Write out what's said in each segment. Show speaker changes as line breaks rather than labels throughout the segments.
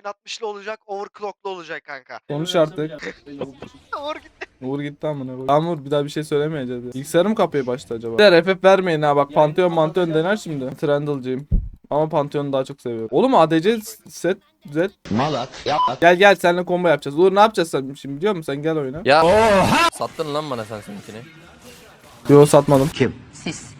4060'lı olacak, overclock'lu olacak kanka.
Konuş artık.
Uğur gitti.
Uğur gitti amına koyayım. Tamam Uğur bir daha bir şey söylemeyeceğiz ya. Bilgisayarım mı kapıya başladı acaba? Der FF vermeyin ha bak Pantheon dener şimdi. Trundle'cıyım. Ama Pantheon'u daha çok seviyorum. Oğlum ADC set Z.
Malak.
Gel seninle combo yapacağız. Uğur ne yapacağız sen şimdi biliyor musun? Sen gel oyuna.
Ya sattın lan bana sen seninkini.
Yo satmadım.
Kim? Siz.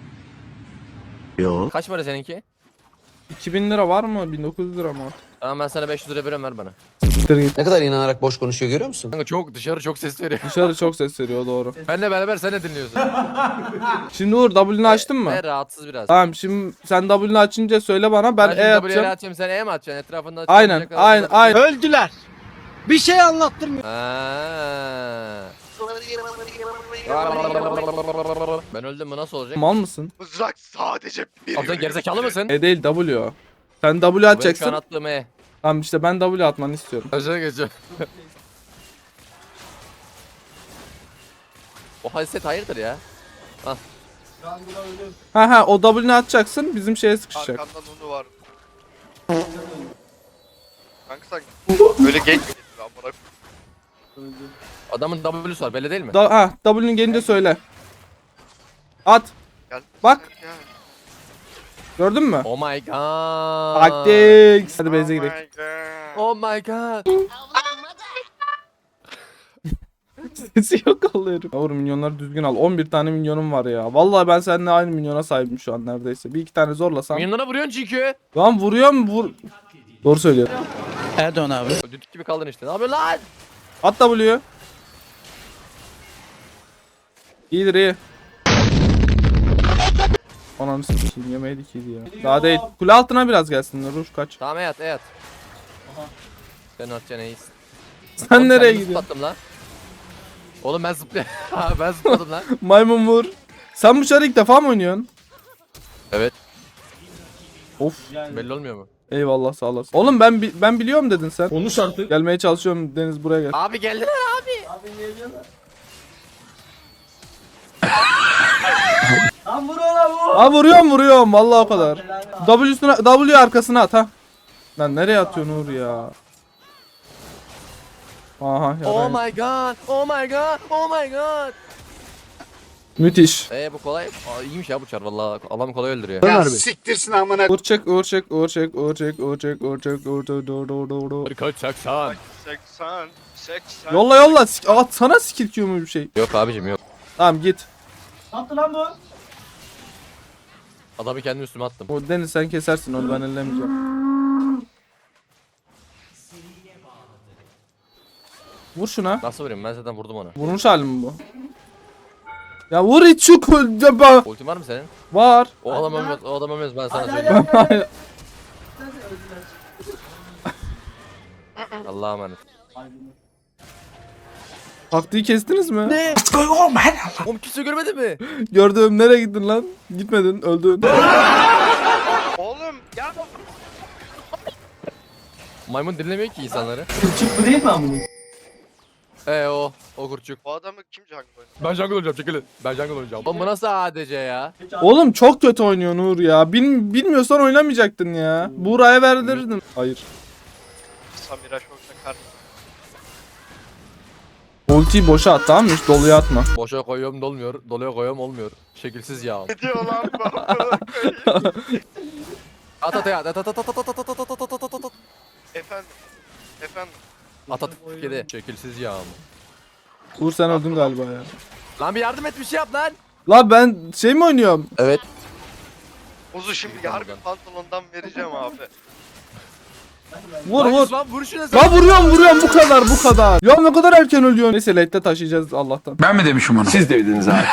Yo.
Kaç para seninki?
2000 lira var mı? 1900 lira mı?
Tamam ben sana 500 lira veriyorum ver bana.
Siktir git.
Ne kadar inanarak boş konuşuyor görüyor musun?
Kanka çok dışarı çok ses veriyor.
Dışarı çok ses veriyor doğru.
Benle beraber sen de dinliyorsun.
Şimdi Uğur W'ni açtın mı?
Ve rahatsız biraz.
Tamam şimdi sen W'ni açınca söyle bana ben
şimdi
E
W'ye
atacağım.
atacağım sen E mi atacaksın etrafında?
Aynen aynen.
Öldüler. Bir şey anlattırmıyor.
Ben öldüm mü nasıl olacak?
Mal mısın?
Mızrak sadece bir.
Abi sen gerizekalı mısın?
E değil W o. Sen W
Benim şu an
atacaksın.
attığım E.
Tamam işte ben W atmanı istiyorum.
Özür geçiyorum. O haset hayırdır ya?
Ha o W'ni atacaksın bizim şeye sıkışacak.
Arkandan onu var. Kanka sen böyle genç mi getirdin amına koyayım?
Adamın W'su var belli değil mi?
W'nin gelince söyle. At.
Gel.
Bak.
Gel.
Gördün mü?
Oh my god.
Taktik. Hadi base'e
Oh
gidelim.
my god.
Oh my god.
Sesi yok alıyorum. Yavrum minyonları düzgün al. 11 tane minyonum var ya. Vallahi ben seninle aynı minyona sahibim şu an neredeyse. Bir iki tane zorlasam.
Minyonlara vuruyorsun çünkü.
Lan vuruyor mu? Doğru söylüyor.
Erdoğan abi.
Düdük gibi kaldın işte. Ne yapıyorsun lan?
At W'yu. İyidir iyi. Ananı sikeyim yemeydik iyiydi ya. Daha değil. Kule altına biraz gelsinler. Ruş kaç.
Tamam et. Sen atacaksın iyisin.
Sen
Oğlum,
nereye
kendimi
gidiyorsun?
zıplattım lan. Oğlum ben zıplayayım. Ben zıpladım lan.
Maymun vur. Sen bu çarı ilk defa mı oynuyorsun?
Evet.
Of.
Belli olmuyor mu?
Eyvallah sağ olasın. Oğlum ben biliyorum dedin sen.
Konuş artık.
Gelmeye çalışıyorum Deniz buraya gel.
Abi geldiler abi.
Lan vur ona vur.
Ha vuruyorum vallahi o kadar. W arkasına at ha. Lan nereye atıyorsun Uğur ya? Aha
Oh
ya.
my god. Oh my god. Oh my god.
Müthiş.
Bu kolay. İyiymiş ya bu çar valla. Adam kolay öldürüyor.
Siktirsin amına.
Uğur çek.
Kaç 80.
80. 80.
Yolla. At sana skill Q mu bir şey?
Yok abicim yok.
Tamam git.
Ne yaptı lan bu?
Adamı kendi üstüme attım.
O Deniz sen kesersin onu ben ellemeyeceğim. Vur şuna.
Nasıl vurayım ben zaten vurdum ona.
Vurmuş halim mi bu? Ya vur hiç şu
Ultin var mı senin?
var.
O adam ölmez. O adam ölmez ben sana söyleyeyim. Allah'a emanet.
Taktiği kestiniz mi?
Ne? Oğlum kimse görmedi mi?
Gördüm nereye gittin lan? Gitmedin öldün.
Oğlum ya.
Maymun dinlemiyor ki insanları.
Küçük bu değil mi amına?
O kurçuk.
Bu adamı kim jungle oynadı?
Ben jungle olacağım çekilin. Ben jungle olacağım. Oğlum bu nasıl ADC ya?
Oğlum çok kötü oynuyor Nur ya. Bilmiyorsan oynamayacaktın ya. Buğra'ya verdirdin. Hayır.
Samira şokta karşı.
Ultiyi boşa at tamam mı? Hiç doluya atma.
Boşa koyuyorum dolmuyor. Doluya koyuyorum olmuyor. Şekilsiz ya.
Ne diyor lan bu?
At at at at at at at at at at at at at.
Efendim. Efendim.
At at kedi. Şekilsiz ya.
Uğur sen öldün galiba ya.
Lan bir yardım et bir şey yap lan.
La ben şey mi oynuyorum?
Evet.
Ozu şimdi harbi pantolondan vereceğim abi.
Vur vur.
Lan vur şuna sen.
La vuruyorum bu kadar. Ya ne kadar erken ölüyorsun. Neyse late'de taşıyacağız Allah'tan.
Ben mi demişim onu? Siz dediniz abi.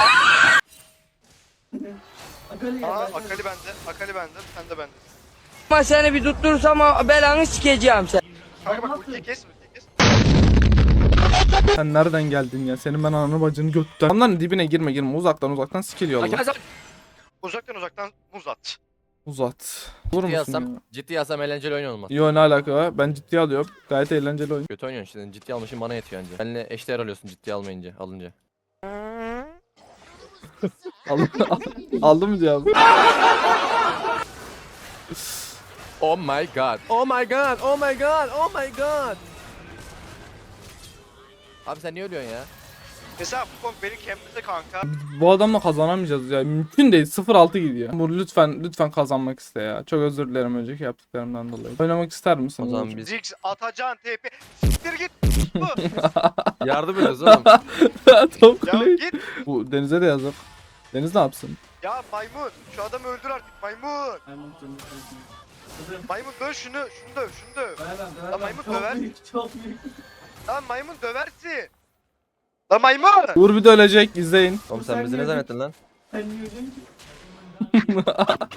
Akali bende, sen de bende.
Ama seni bir tutturursam belanı sikeceğim sen.
Kanka bak ultiyi kes.
Sen nereden geldin ya? Senin ben ananı bacını götten. Onların dibine girme. Uzaktan skill yolla.
Arkadaşlar
Uzaktan muz at.
Uzat. Vur
ciddi
musun ya?
yazsam eğlenceli oyun olmaz.
Yo ne alaka var? Ben ciddiye alıyorum. Gayet eğlenceli oyun.
Kötü oynuyorsun işte. Ciddi almışım bana yetiyor anca. Benimle eşdeğer alıyorsun ciddi alınca.
Aldım mı cevabı?
Oh my god. Oh my god. Oh my god. Oh my god. Abi sen niye ölüyorsun ya?
Mesela bu konu beni kempledi kanka.
Bu adamla kazanamayacağız ya. Mümkün değil. 0-6 gidiyor. Bu lütfen kazanmak iste ya. Çok özür dilerim önceki yaptıklarımdan dolayı. Oynamak ister misin?
O zaman
Uğur?
biz
Ziggs atacağın TP. Siktir git. Bu.
yardım ediyoruz oğlum.
Top
Ya
kuleye.
git.
Bu Deniz'e de yazık. Deniz ne yapsın?
Ya maymun. Şu adamı öldür artık maymun. Maymun döv şunu. Şunu döv. Şunu döv. Lan maymun
Çok
döver.
büyük, çok büyük.
Lan maymun döversin. Lan maymun.
Uğur bir de ölecek. İzleyin.
Oğlum sen bizi ne zannettin lan?
Sen yiyeceksin ki.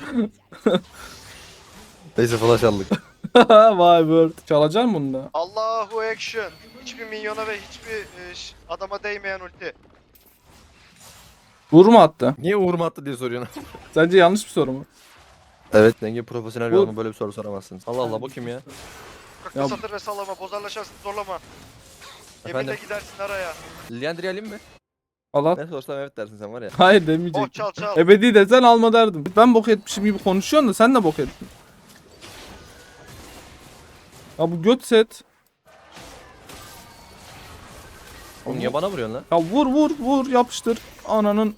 Neyse flash aldık.
Vay bird. Çalacaksın bunu da.
Allahu action. Hiçbir minyona ve hiçbir adama değmeyen ulti.
Uğur mu attı?
Niye Uğur attı diye soruyorsun.
Sence yanlış bir soru mu?
Evet. Denge profesyonel bir
Uğur-
adama böyle bir soru soramazsın. Allah Allah bu kim ya?
Kakta
Ya-
satır ve sallama. Bozarlaşarsın zorlama. Yeminle
Efendim?
gidersin araya.
Liandry alayım mı?
Allah.
Ne sorsam evet dersin sen var ya.
Hayır demeyecek.
Oh çal çal.
Ebedi desen alma derdim. Ben bok etmişim gibi konuşuyorsun da sen de bok ettin. Ya bu göt set.
Oğlum niye bana vuruyorsun lan?
Ya vur yapıştır. Ananın.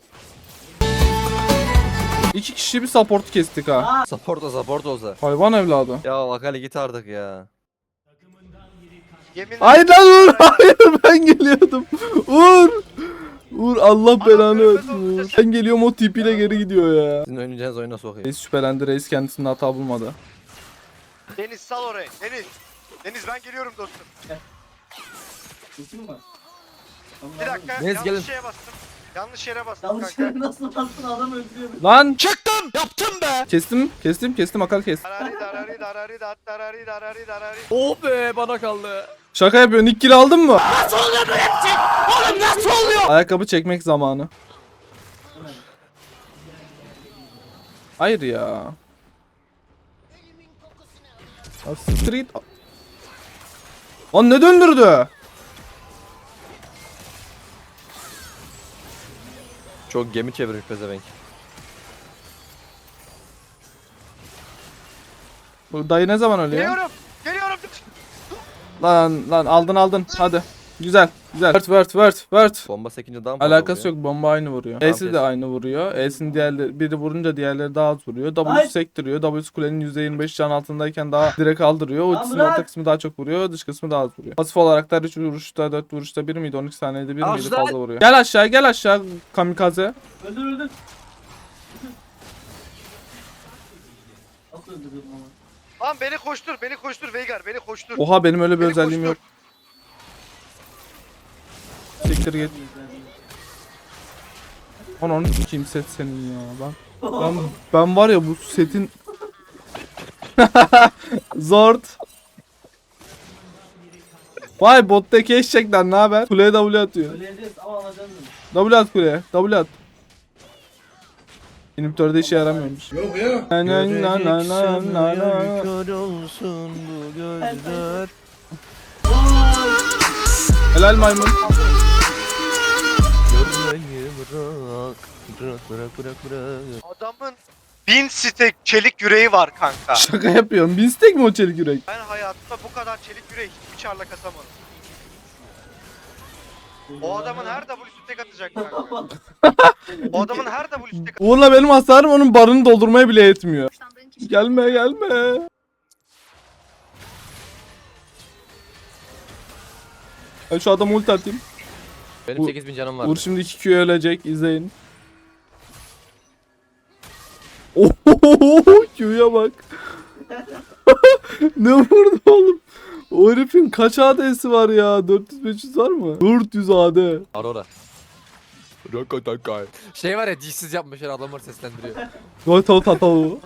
2 kişi bir support kestik ha.
Support olsa.
Hayvan evladı.
Ya Akali git artık ya.
Yeminle.
Hayır lan Uğur. Hayır ben geliyordum. Uğur. Uğur Allah belanı
görmez
versin.
olmuş
Uğur. Ben geliyorum o tipiyle geri gidiyor ya.
Sizin oynayacağınız oyuna sokayım.
Reis şüphelendi. Reis kendisinde hata bulmadı.
Deniz sal orayı. Deniz. Deniz ben geliyorum dostum.
Kesin mi var?
Bir dakika.
Deniz,
yanlış
gelin.
şeye bastım. Yanlış yere bastım
Yanlış
kanka.
yere nasıl bastın adam öldürüyor.
Lan. Çıktım. Yaptım be. Kestim. Akal kes.
Darari.
Oh be bana kaldı.
Şaka yapıyorsun. İlk kill aldın mı? Nasıl oluyor bu hepsi? Oğlum nasıl oluyor? Ayakkabı çekmek zamanı. Hayır ya. Ya street. Lan ne döndürdü?
Çok gemi çevirmiş pezevenk.
Bu dayı ne zaman ölüyor?
Geliyorum.
Lan aldın. Hadi. Güzel. Word.
Bomba sekince daha mı fazla
Alakası
vuruyor?
yok. Bomba aynı vuruyor.
Tamam,
E'si de
kes.
aynı vuruyor. E'sinin biri vurunca diğerleri daha az vuruyor. W'su
Ay.
sektiriyor. W'su kulenin %25 can altındayken daha direkt kaldırıyor. Ultisinin
bırak.
orta kısmı daha çok vuruyor. Dış kısmı daha az vuruyor. Pasif olarak da 3 vuruşta 4 vuruşta 1 miydi? 12 saniyede 1 miydi? Fazla vuruyor. Gel aşağı kamikaze.
Öldür. Nasıl öldürdün ama?
Lan beni koştur Veigar beni koştur.
Oha benim öyle bir
Beni
özelliğim yok.
koştur.
Siktir git. Onu sikeyim set senin ya. Ben var ya bu setin Zord. Vay bottaki eşekler ne haber? Kuleye W atıyor.
Öleceğiz ama alacağız.
W at kuleye. W at. İnhibitörde işe yaramıyormuş. Yok ya.
Kör olsun bu gözler.
Helal maymun.
Görmeyi bırak.
Adamın 1000 stek çelik yüreği var kanka.
Şaka yapıyorum. Binstek mi o çelik yürek?
Ben hayatımda bu kadar çelik yüreği hiçbir çarla kasamadım. O adamın her W'su tek atacak kanka. O adamın her W'su tek atacak.
Uğur'la benim hasarım onun barını doldurmaya bile yetmiyor. Gelme. Ben şu adamı ulti atayım.
Benim
Uğur-
8000 canım var.
Uğur şimdi 2Q'ya ölecek. İzleyin. Ohohoho Q'ya bak. Ne vurdu oğlum? O herifin kaç AD'si var ya? 400-500 var mı? 400 AD.
Aurora. Şey var ya dişsiz yapmışlar adamlar seslendiriyor.
Goto Tatavu.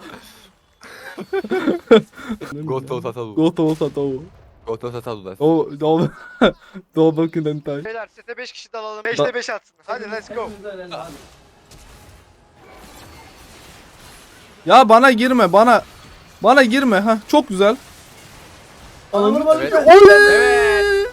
Goto Tatalu.
Goto Tatavu.
Goto Tatalu da.
Do bakın hentai.
Beyler sete 5 kişi dalalım. 5'te 5 atsın. Hadi let's go.
Ya bana girme bana girme ha çok güzel.
Evet.
Oley!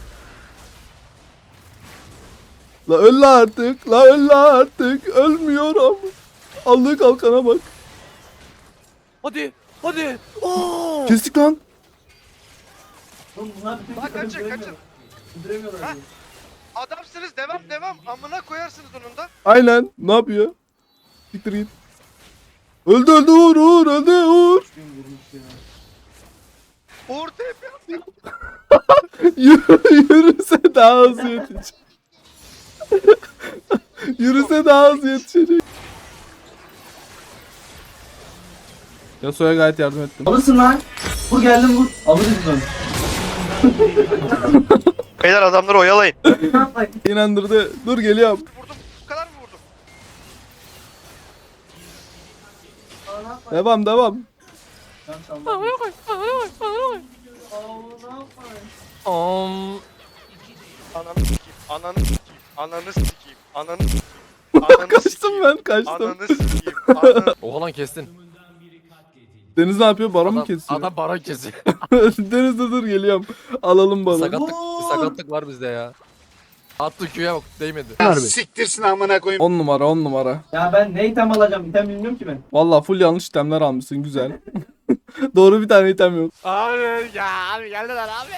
La öl artık ölmüyorum. Aldığı kalkana bak.
Hadi. Hadi. Oo.
Kestik lan.
Oğlum bunlar bir tek
Lan kaçın,
öldüremiyorlar.
kaçın.
Öldüremiyorlar
Ha?
diye.
Adamsınız, devam. Amına koyarsınız onun da.
Aynen. Ne yapıyor? Siktir git. Öldü Uğur öldü Uğur.
Gün vurmuş ya.
Uğur TP yaptı.
Yürüse daha hızlı yetişecek. Yürüse daha hızlı yetişecek. Yasuo'ya gayet yardım ettim.
Alırsın lan. Vur geldim vur. Alırız ben.
Beyler adamları oyalayın.
Ne yapayım?
İnandırdı. Dur geliyorum.
Vurdum. Bu kadar mı vurdum?
Aa, ne yapayım?
Devam.
Can çalma. Aa, ne yapayım?
Ananı sikeyim. Ananı
Kaçtım ben kaçtım.
Ananı sikeyim.
Oha lan kestin.
Deniz ne yapıyor? Baron mu kesiyor?
Adam baron kesiyor.
Deniz de dur geliyorum. Alalım baronu.
Sakatlık var bizde ya. Attı Q'ya bak değmedi.
Siktirsin amına koyayım.
10 numara.
Ya ben ne item alacağım? İtem bilmiyorum ki ben.
Valla full yanlış itemler almışsın güzel. Doğru bir tane item yok.
Abi geldiler abi.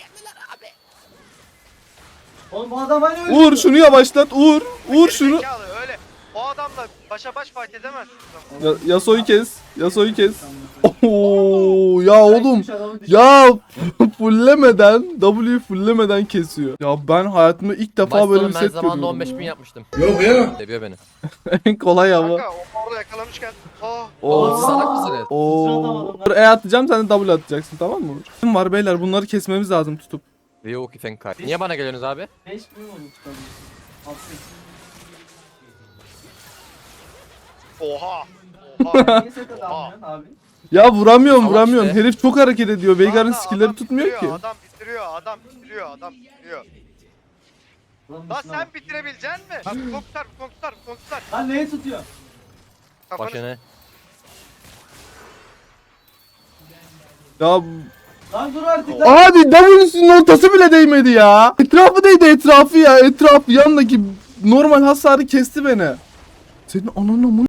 Oğlum bu adam hani öldü.
Uğur şunu yavaşlat Uğur. Uğur şunu.
Zekalı, öyle. O adamla başa baş fight edemezsin.
Yasuo'yu kes. Oo ya oğlum. Ya fullemeden fullemeden kesiyor. Ya ben hayatımda ilk defa böyle bir
ben
set
zamanında
görüyorum.
15.000 yapmıştım.
Yok ya.
Seviyor beni.
En kolay ama.
Kanka o orada yakalamışken. Oh.
Oğlum siz salak mısınız?
Oo. E atacağım sen de W atacaksın tamam mı? Kim var beyler bunları kesmemiz lazım tutup.
Yok ki sen kay. Niye bana geliyorsunuz abi?
5 gün oldu çıkalım. Altı.
Oha.
Niye set almıyorsun abi?
Ya vuramıyorum
Salak
vuramıyorum.
işte.
Herif çok hareket ediyor. Veigar'ın
Adam
skill'leri tutmuyor ki.
bitiriyor, Adam bitiriyor.
Ulan
Lan
şuna
sen
bak.
bitirebilecek misin? Bak konkutar.
Lan neyi tutuyor?
Kafanı
Başını.
Ya
Lan dur artık lan.
abi W'sünün ortası bile değmedi ya. Etrafı değdi etrafı ya. Etrafı yanındaki normal hasarı kesti beni. Senin ananın amına